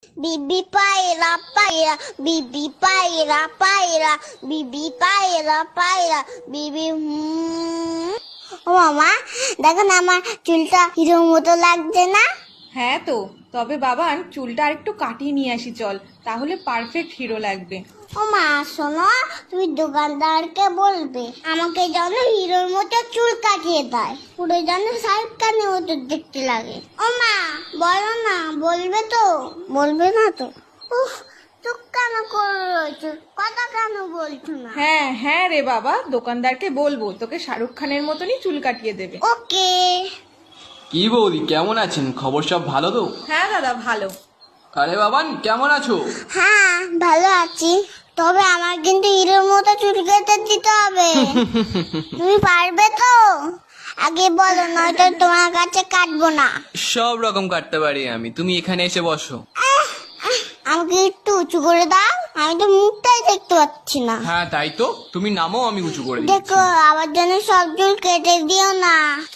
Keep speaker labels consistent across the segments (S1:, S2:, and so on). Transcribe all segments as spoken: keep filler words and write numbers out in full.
S1: বিবি পায়রা পায়রা বিবি পায়রা পায়রা বিবি পায়রা পায়রা বিবি হুম। ও মামা দেখো না আমার চুলটা হিরোর মতো লাগছে না?
S2: হ্যাঁ তো, তবে বাবান চুলটা আরেকটু কাটিয়ে নিয়ে আসি চল, তাহলে পারফেক্ট হিরো লাগবে।
S1: ও মা শোনো, তুমি দোকানদারকে বলবে আমাকে যেন হিরোর মতো চুল কাটিয়ে দেয়, পুরো যেন শাহরুখ খানের মতো দেখতে লাগে। ও মা বলো না, বলবে তো? বলবে না তো? উফ, চুপ কেন করে রয়েছো, কথা কেন বলছো না?
S2: হ্যাঁ হ্যাঁ রে বাবা, দোকানদারকে বলবো তোকে শাহরুখ খানের মতনই চুল কাটিয়ে দেবে।
S1: ওকে।
S3: কি বৌদি, কেমন আছেন? খবর সব ভালো তো?
S2: হ্যাঁ দাদা ভালো।
S3: আরে বাবান, কেমন আছো?
S1: হ্যাঁ ভালো আছি, তবে আমার কিন্তু হিরোর মতো চুল কেটে দিতে হবে। তুমি পারবে তো? আগে বলো, নয়তো তোমার কাছে কাটবো না।
S3: সব রকম কাটতে পারি আমি, তুমি এখানে এসে বসো।
S1: আমাকে একটু উঁচু করে দাও, আমি তো মুখটাই দেখতে পাচ্ছি না।
S3: হ্যাঁ তাই তো, তুমি নামো, আমি উঁচু করে দিচ্ছি।
S1: দেখো আমার জন্য সব চুল কেটে দিও না।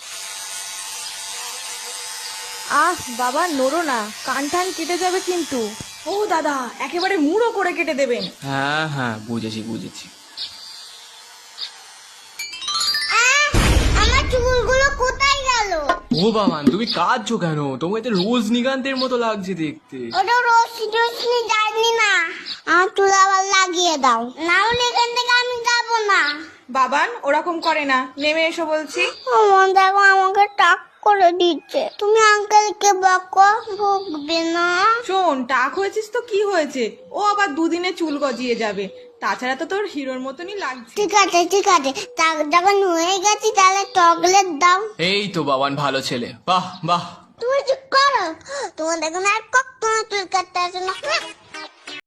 S2: আহ বাবা নড়ো না, কান টান কেটে যাবে কিন্তু। ও দাদা, একেবারে মুড়ো করে কেটে দেবেন।
S3: হ্যাঁ হ্যাঁ বুঝেছি বুঝেছি।
S1: আহ, আমার চুলগুলো কোথায় গেল?
S3: ও বাবান, তুমি কাঁদছো কেন? তোমাকে তো রজনীকান্তের মতো লাগছে দেখতে।
S1: ওটা রশ্মি টশ্মি যায়নি না, আমার চুল আবার লাগিয়ে দাও, না হলে এখান থেকে আমি যাবো না।
S2: বাবান ওরকম করে না, নেমে এসো বলছি।
S1: আমার দেখো আমাকে টাক করে দিচ্ছে, তুমি আঙ্কেলকে বকো, ভুগবে না।
S2: শোন, টাক হয়েছিস তো কি হয়েছে, ও আবার দুদিনে চুল গজিয়ে যাবে, তাছাড়া তো তোর হিরোর মতনই লাগছে।
S1: ঠিক আছে ঠিক আছে, টাক যখন হয়ে গেছি তাহলে চকলেট দাও।
S3: এই তো বাবান, ভালো ছেলে, বাহ বাহ।
S1: তুমি চুপ করো, তোমার দেখো না আর কখনো চুল কাটতে আসে না।